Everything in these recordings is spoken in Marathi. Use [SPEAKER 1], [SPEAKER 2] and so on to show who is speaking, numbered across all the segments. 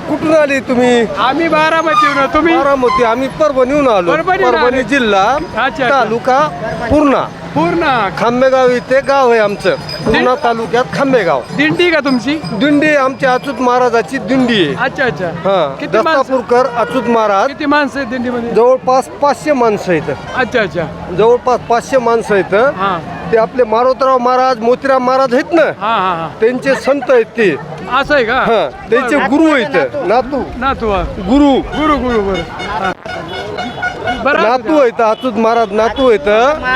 [SPEAKER 1] कुठून आली तुम्ही?
[SPEAKER 2] आम्ही बारामतीहून. तुम्ही?
[SPEAKER 1] बारामती. आम्ही परभणीहून आलो. परभणी जिल्हा,
[SPEAKER 2] अच्छा.
[SPEAKER 1] तालुका पूर्णा.
[SPEAKER 2] पूर्ण
[SPEAKER 1] खांबेगाव इथे गाव आहे आमचं. पूर्णा तालुक्यात खांबेगाव.
[SPEAKER 2] दिंडी का तुमची?
[SPEAKER 1] दिंडी आमच्या अच्युत महाराजाची दिंडी आहे.
[SPEAKER 2] अच्छा अच्छा.
[SPEAKER 1] हा,
[SPEAKER 2] किती माणसं?
[SPEAKER 1] दत्तापूरकर अच्युत महाराज.
[SPEAKER 2] किती माणसं आहेत दिंडीमध्ये?
[SPEAKER 1] जवळपास 500 माणसं आहेत.
[SPEAKER 2] अच्छा अच्छा.
[SPEAKER 1] जवळपास 500 माणसं आहेत.
[SPEAKER 2] हा
[SPEAKER 1] ते आपले मारोतराव महाराज, मोतीराम महाराज आहेत ना,
[SPEAKER 2] हा हा हा.
[SPEAKER 1] त्यांचे संत आहेत ते.
[SPEAKER 2] असं आहे का?
[SPEAKER 1] हा, त्यांचे गुरु आहेत. नातू
[SPEAKER 2] नातू
[SPEAKER 1] गुरु
[SPEAKER 2] गुरु गुरु बरं. हा. बरं असू
[SPEAKER 1] नातू
[SPEAKER 2] द्या.
[SPEAKER 1] आहेत. अच्युत महाराज नातू आहेत.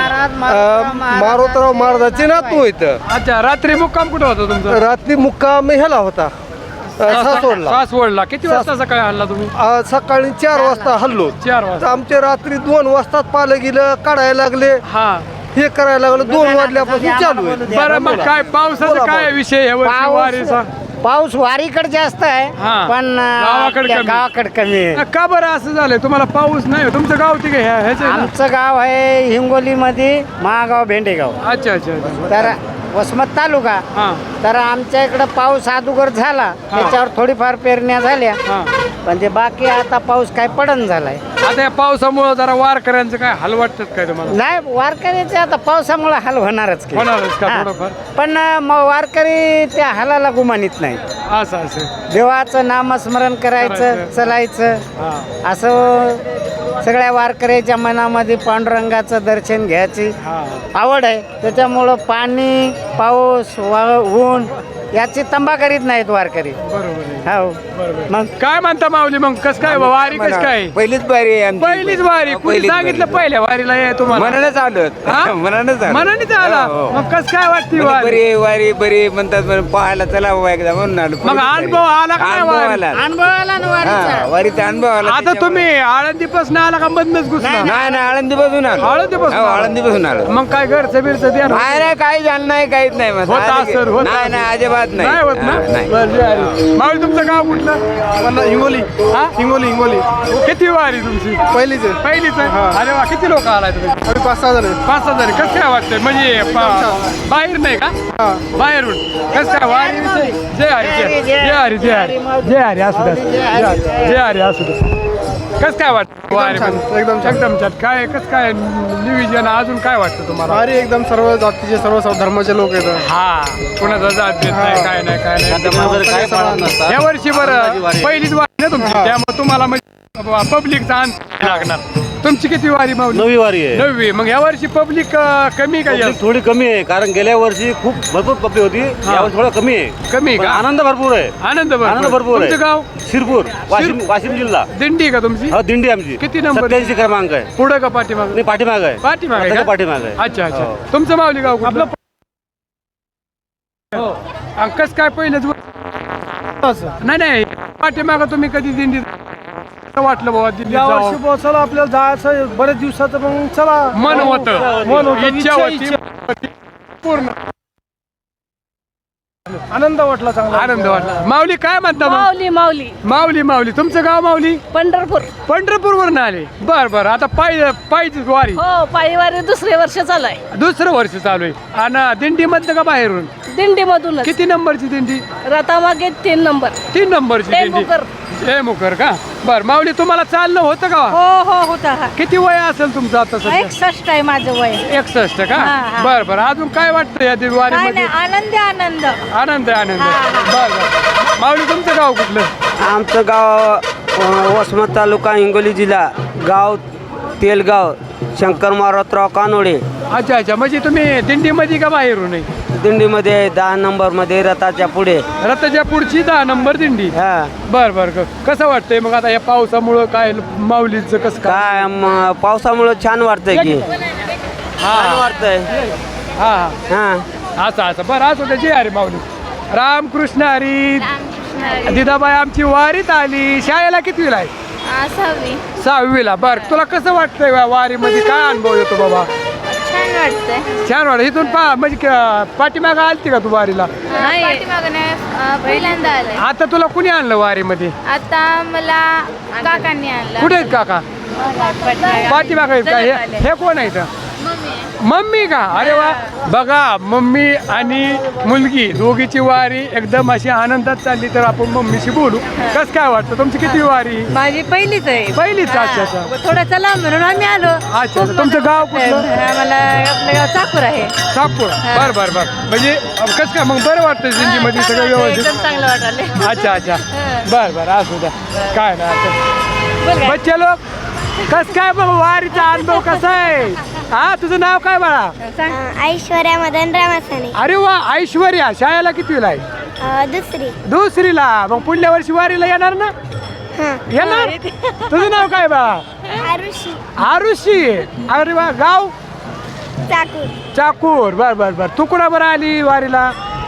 [SPEAKER 1] मारोतराव महाराजाचे नातू आहेत.
[SPEAKER 2] अच्छा. रात्री मुक्काम कुठं होता तुमचा?
[SPEAKER 1] रात्री मुक्काम ह्याला होता, सासवडला.
[SPEAKER 2] सासवडला. किती वाजता सकाळी हल्ला तुम्ही?
[SPEAKER 1] सकाळी 4 वाजता हल्लो.
[SPEAKER 2] 4
[SPEAKER 1] तर
[SPEAKER 2] वाजता.
[SPEAKER 1] आमचे रात्री 2 वाजता पालं गेलं, काढायला लागले,
[SPEAKER 2] हा.
[SPEAKER 1] हे करायला लागलं. 2 वाजल्यापासून चालू आहे.
[SPEAKER 2] बरं मग काय पावसाचा काय विषय आहे वर्षी वारीचा?
[SPEAKER 3] पाऊस वारीकडे जास्त आहे,
[SPEAKER 2] हा.
[SPEAKER 3] पण
[SPEAKER 2] गावाकडे कमी.
[SPEAKER 3] गावाकडे कमी आहे.
[SPEAKER 2] का बरं असं झालंय? तुम्हाला पाऊस नाही? तुमचं गाव ते काय ह्याचं आहे ना?
[SPEAKER 3] आमचं गाव आहे हिंगोलीमध्ये, महागाव भेंडेगाव.
[SPEAKER 2] अच्छा अच्छा अच्छा.
[SPEAKER 3] तर वसमत तालुका.
[SPEAKER 2] हा
[SPEAKER 3] तर आमच्या इकडं पाऊस अगोदर झाला, त्याच्यावर थोडीफार पेरण्या झाल्या,
[SPEAKER 2] हा.
[SPEAKER 3] पण ते बाकी आता पाऊस काय पडन झालाय.
[SPEAKER 2] आता या पावसामुळे जरा वारकऱ्यांचं काय हाल वाटतात काय तुम्हाला?
[SPEAKER 3] नाही, वारकरीचे आता पावसामुळे हाल होणारच की.
[SPEAKER 2] होणारच का
[SPEAKER 3] हा.
[SPEAKER 2] थोडंफार?
[SPEAKER 3] पण मग वारकरी त्या हालाला गुमानित नाही.
[SPEAKER 2] असं असं.
[SPEAKER 3] देवाचं नामस्मरण करायचं,
[SPEAKER 2] करायचं.
[SPEAKER 3] चलायचं.
[SPEAKER 2] हा
[SPEAKER 3] असं सगळ्या वारकऱ्याच्या मनामध्ये पांडुरंगाचं दर्शन घ्यायची
[SPEAKER 2] हा.
[SPEAKER 3] आवड आहे. त्याच्यामुळं पाणी, पाऊस, ऊन याची तंबा करीत नाहीत वारकरी.
[SPEAKER 2] बरोबर आहे.
[SPEAKER 3] हो.
[SPEAKER 2] बरोबर.
[SPEAKER 3] मग
[SPEAKER 2] काय म्हणता माऊली? मग कस काय वारी कस काय?
[SPEAKER 4] पहिलीच बारी आहे आमची.
[SPEAKER 2] पहिलीच वारी. कुणी
[SPEAKER 4] पहिलीच
[SPEAKER 2] सांगितलं
[SPEAKER 4] बारी.
[SPEAKER 2] पहिल्या वारीला ये तुम्हाला?
[SPEAKER 4] मनानेच आलो.
[SPEAKER 2] हा?
[SPEAKER 4] मनानेच आलो.
[SPEAKER 2] मनानेच आला.
[SPEAKER 4] हो, हो.
[SPEAKER 2] मग कस काय वाटते
[SPEAKER 4] म्हणजे
[SPEAKER 2] वारी?
[SPEAKER 4] बरी वारी बरी म्हणतात, म्हणून पाहायला चला बाबा एकदा म्हणून आलो.
[SPEAKER 2] मग अनुभव आला का नाही
[SPEAKER 4] अनुभव
[SPEAKER 2] वारी?
[SPEAKER 4] आला.
[SPEAKER 3] अनुभव आला ना वारीचा.
[SPEAKER 4] हा, वारीचा अनुभव आला.
[SPEAKER 2] आता तुम्ही आळंदीपासून आला का बंदच घुसला?
[SPEAKER 4] नाही नाही, आळंदीपासून आलो.
[SPEAKER 2] आळंदीपासून
[SPEAKER 4] हो,
[SPEAKER 2] आलो.
[SPEAKER 4] आळंदीपासून आलो.
[SPEAKER 2] मग काय घरचं बिरचं द्या ना.
[SPEAKER 4] नाही नाही, काही झालं नाही, काहीच नाही मग.
[SPEAKER 2] होत
[SPEAKER 4] आले की-
[SPEAKER 2] असेल, होत
[SPEAKER 4] नाही
[SPEAKER 2] असेल.
[SPEAKER 4] नाही, अजिबात नाही.
[SPEAKER 2] नाही होत ना?
[SPEAKER 4] हा, नाही.
[SPEAKER 2] बरं, जय हरी. माऊली तुमचं गाव कुठलं?
[SPEAKER 1] हिंगोली.
[SPEAKER 2] हा?
[SPEAKER 1] हिंगोली. हिंगोली
[SPEAKER 2] किती वारी तुमची?
[SPEAKER 1] पहिलीच आहे.
[SPEAKER 2] पहिलीच आहे. अरे वा, किती लोक आलाय तुम्ही?
[SPEAKER 1] आम्ही 5-6 जण आहे.
[SPEAKER 2] 5 हजार. कसं काय वाटतंय? म्हणजे बाहेर नाही का? बाहेरून कसं काय वारी विषयी? जय हरी जय हरी जय हरी जय हरी असू द्या. जय हरी असू द्या. कसं काय वाटतं वारी?
[SPEAKER 1] एकदम छान.
[SPEAKER 2] एकदम छान. काय कसं काय नियोजन अजून काय वाटतं तुम्हाला?
[SPEAKER 1] भारी एकदम. सर्व जातीचे, सर्व धर्माचे लोक येतात.
[SPEAKER 2] हा, कोणाचा जात देत नाही, काय नाही काय नाही. या वर्षी बरं पहिलीच वारी ना तुमची, त्यामुळे तुम्हाला म्हणजे पब्लिकचा अंदाज लागणार. तुमची किती वारी माऊली?
[SPEAKER 5] 9वी वारी आहे.
[SPEAKER 2] 9वी. मग या वर्षी पब्लिक कमी का?
[SPEAKER 5] पब्लिक थोडी कमी आहे, कारण गेल्या वर्षी खूप भरपूर पब्लिक होती. यावर्षी थोडा कमी आहे.
[SPEAKER 2] कमी
[SPEAKER 5] पण
[SPEAKER 2] का?
[SPEAKER 5] आनंद भरपूर आहे.
[SPEAKER 2] आनंद
[SPEAKER 5] आनंद भरपूर
[SPEAKER 2] तुमचं
[SPEAKER 5] आहे.
[SPEAKER 2] गाव?
[SPEAKER 5] शिरपूर, वाशिम जिल्हा.
[SPEAKER 2] दिंडी का तुमची?
[SPEAKER 5] हा, दिंडी आमची.
[SPEAKER 2] किती नंबर?
[SPEAKER 5] 87 क्रमांक आहे.
[SPEAKER 2] पुढं का पाठीमाग?
[SPEAKER 5] नाही, पाठीमाग आहे.
[SPEAKER 2] पाठीमागे
[SPEAKER 5] रथाच्या
[SPEAKER 2] का?
[SPEAKER 5] पाठीमाग आहे.
[SPEAKER 2] अच्छा अच्छा.
[SPEAKER 5] हो.
[SPEAKER 2] तुमचं माऊली गाव कुठलं? कस काय पहिलेच नाही नाही, पाठीमाग तुम्ही कधी दिंडी वाटलं बाबा दिंडी
[SPEAKER 1] या वर्षी
[SPEAKER 2] जावं?
[SPEAKER 1] चला आपल्याला जायचं बरेच दिवसाचं, मग चला.
[SPEAKER 2] मन होतं,
[SPEAKER 1] मन होतं,
[SPEAKER 2] इच्छा होती, पूर्ण
[SPEAKER 1] आनंद वाटला, चांगला
[SPEAKER 2] आनंद वाटला. माऊली काय म्हणता मग?
[SPEAKER 6] माऊली माऊली
[SPEAKER 2] माऊली माऊली. तुमचं गाव माऊली?
[SPEAKER 6] पंढरपूर.
[SPEAKER 2] पंढरपूर वरून आले. बर बर. आता पायी वारी
[SPEAKER 6] हो, पायीवारी दुसरे वर्ष चालू आहे.
[SPEAKER 2] दुसरं वर्ष चालू आहे. आणि दिंडी मधलं का बाहेरून?
[SPEAKER 6] दिंडी मधूनच.
[SPEAKER 2] किती नंबरची दिंडी?
[SPEAKER 6] रथामागे 3 नंबर.
[SPEAKER 2] 3 नंबरची दिंडी.
[SPEAKER 6] टेंभुकर.
[SPEAKER 2] टेंभुकर का? बर. माऊली तुम्हाला चालणं होतं का?
[SPEAKER 6] हो हो होता हा.
[SPEAKER 2] किती वय असेल तुमचं आता सध्या?
[SPEAKER 6] 61 आहे माझं वय.
[SPEAKER 2] 61 का?
[SPEAKER 6] हा, हा.
[SPEAKER 2] बर बर. अजून काय वाटतं या
[SPEAKER 6] काय
[SPEAKER 2] वारीमध्ये?
[SPEAKER 6] नाही, आनंद आनंद.
[SPEAKER 2] आनंद आनंद.
[SPEAKER 6] हा, हा.
[SPEAKER 2] बर बर. माऊली तुमचं गाव कुठलं?
[SPEAKER 7] आमचं गाव वसमत तालुका, हिंगोली जिल्हा. गाव तेलगाव, शंकर मारुतराव कानोडे.
[SPEAKER 2] अच्छा अच्छा. म्हणजे तुम्ही दिंडीमध्ये का बाहेरून आहे?
[SPEAKER 7] दिंडीमध्ये 10 नंबरमध्ये रथाच्या पुढे.
[SPEAKER 2] रथाच्या पुढची 10 नंबर दिंडी.
[SPEAKER 7] हा.
[SPEAKER 2] बर बर. कसं वाटतंय मग आता या पावसामुळं? काय माऊलीचं कसं
[SPEAKER 7] काय पावसामुळे छान वाटतंय की. छान वाटतंय.
[SPEAKER 2] हा
[SPEAKER 7] हा.
[SPEAKER 2] हा असं असं. बरं असं ते जे हरी माऊली. रामकृष्ण हरी. दिदाबाई आमची वारीत आली. शाळेला कितवीला आहे?
[SPEAKER 6] 6वी.
[SPEAKER 2] 6वीला. बर. तुला कसं वाटतंय वारीमध्ये? काय अनुभव येतो बाबा?
[SPEAKER 6] छान वाटतंय.
[SPEAKER 2] छान वाटत. इथून म्हणजे पाठीमाग आलती का तू वारीला?
[SPEAKER 6] नाही, पहिल्यांदा आलंय.
[SPEAKER 2] आता तुला कुणी आणलं वारीमध्ये?
[SPEAKER 6] आता मला काकांनी आणलं.
[SPEAKER 2] कुठे आहेत काका? पाठीमाग आहेत का? हे कोण आहे इथं? मम्मी का अरे वा बघा मम्मी आणि मुलगी दोघीची वारी एकदम अशी आनंदात चालली तर आपण मम्मीशी बोलू कसं काय वाटतं तुमची किती वारी
[SPEAKER 8] माझी पहिलीच आहे.
[SPEAKER 2] पहिलीच
[SPEAKER 8] हा.
[SPEAKER 2] अच्छा अच्छा
[SPEAKER 8] थोडं चला म्हणून आम्ही आलो.
[SPEAKER 2] अच्छा तुमचं गाव कुठलं
[SPEAKER 8] आम्हाला आपलं गाव चाकूर आहे.
[SPEAKER 2] सापूर बर बर बर म्हणजे कसं काय मग बरं वाटतं जिंदगीमध्ये सगळं व्यवस्थित
[SPEAKER 8] एकदम चांगलं वाटलं.
[SPEAKER 2] अच्छा अच्छा बर बर असू द्या काय ना
[SPEAKER 8] बोल काय?
[SPEAKER 2] बच्चे लोक कस काय मग वारीचा अनुभव कसा आहे हा तुझं नाव काय बाळा
[SPEAKER 6] ऐश्वर्या मदन रामासाने
[SPEAKER 2] अरे वा ऐश्वर्या शाळेला कितवीला आहे
[SPEAKER 6] दुसरी
[SPEAKER 2] दुसरीला मग पुढल्या वर्षी वारीला येणार ना येणार तुझं नाव काय बाळा
[SPEAKER 6] आरुषी
[SPEAKER 2] आरुषी अरे वा गाव
[SPEAKER 6] चाकूर
[SPEAKER 2] चाकूर बर बर बर तू कुणा बरं आली वारीला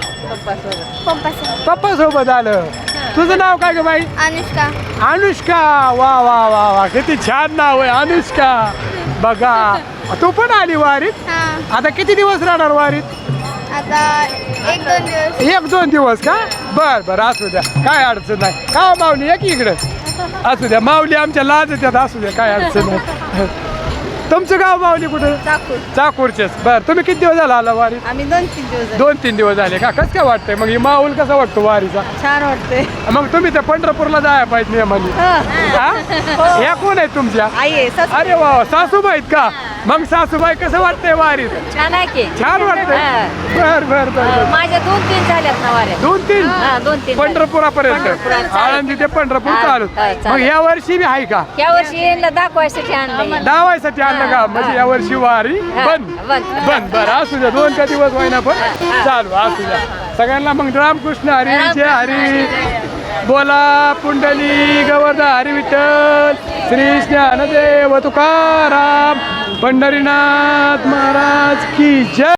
[SPEAKER 2] पप्पा सोबत आलं तुझं नाव काय ग बाई
[SPEAKER 6] अनुष्का
[SPEAKER 2] अनुष्का वा वा वा वा किती छान नाव आहे अनुष्का बघा तू पण आली वारीत
[SPEAKER 6] हा
[SPEAKER 2] आता किती दिवस राहणार वारीत
[SPEAKER 6] आता 1-2 दिवस
[SPEAKER 2] एक दोन दिवस का बर बर असू द्या काय अडचण नाही का हो माऊली एक इकडं असू द्या माऊली आमच्या लाज येतात असू द्या काय अडचण नाही तुमचं गाव माऊली कुठं
[SPEAKER 8] चाकूर.
[SPEAKER 2] चाकूरचेच बर तुम्ही किती दिवस झाला आला वारीत
[SPEAKER 8] आम्ही 2-3 दिवस झाले.
[SPEAKER 2] 2-3 दिवस झाले का कसं काय वाटतंय मग ही माऊल कसा वाटतो वारीचा
[SPEAKER 8] छान वाटतंय.
[SPEAKER 2] मग तुम्ही त्या पंढरपूरला जायला पाहिजे नियमाने
[SPEAKER 8] हा.
[SPEAKER 2] ह्या कोण आहे तुमच्या
[SPEAKER 8] आई आहे सासू.
[SPEAKER 2] अरे वा सासूबाई आहेत का मग सासूबाई कसं वाटतंय वारीत
[SPEAKER 8] छान आहे की.
[SPEAKER 2] छान वाटतंय
[SPEAKER 8] हा.
[SPEAKER 2] बर बर बर
[SPEAKER 8] माझ्या 2-3 झाल्यात ना वाऱ्या.
[SPEAKER 2] 2-3
[SPEAKER 8] हा, 2-3
[SPEAKER 2] पंढरपुरापर्यंत
[SPEAKER 8] पंढरपुरात चालू.
[SPEAKER 2] आळंदी ते पंढरपूर
[SPEAKER 8] हा,
[SPEAKER 2] चालू
[SPEAKER 8] हा, चालू.
[SPEAKER 2] मग या वर्षी बी आहे का
[SPEAKER 8] या वर्षी यांना दाखवायसाठी आणलं.
[SPEAKER 2] दावायसाठी आणलं का म्हणजे या वर्षी वारी
[SPEAKER 8] हा,
[SPEAKER 2] बंद
[SPEAKER 8] बंद.
[SPEAKER 2] बंद बरं असू द्या 2 का दिवस होईना पण चालू असू द्या सगळ्यांना मग रामकृष्ण हरी जय हरी बोला पुंडली गोवर्धन हरी विठ्ठल श्री ज्ञानदेव तुकाराम पंढरीनाथ महाराज की जय.